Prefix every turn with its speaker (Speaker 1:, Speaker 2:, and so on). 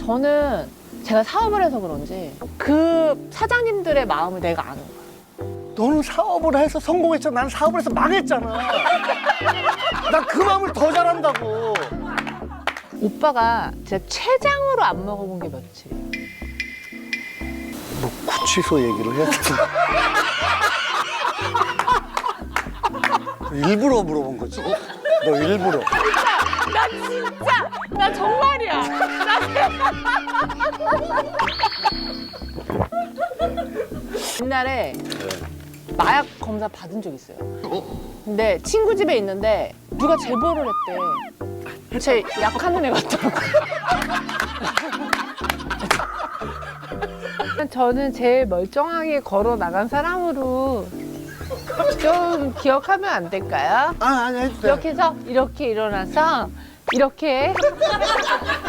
Speaker 1: 저는 제가 사업을 해서 그런지 그 사장님들의 마음을 내가 아는 거야.
Speaker 2: 너는 사업을 해서 성공했잖아. 난 사업을 해서 망했잖아. 난 그 마음을 더 잘한다고.
Speaker 1: 오빠가 진짜 췌장으로 안 먹어본 게 며칠이에요.
Speaker 2: 뭐 구치소 얘기를 해야 되나? 일부러 물어본 거지. 너 일부러.
Speaker 1: 나 진짜 나 정말이야. 옛날에 마약 검사 받은 적 있어요. 근데 친구 집에 있는데 누가 제보를 했대. 제 약하는 애 같다고. 저는 제일 멀쩡하게 걸어 나간 사람으로 좀 기억하면 안 될까요?
Speaker 2: 아니 해도 돼.
Speaker 1: 이렇게 해서 이렇게 일어나서 이렇게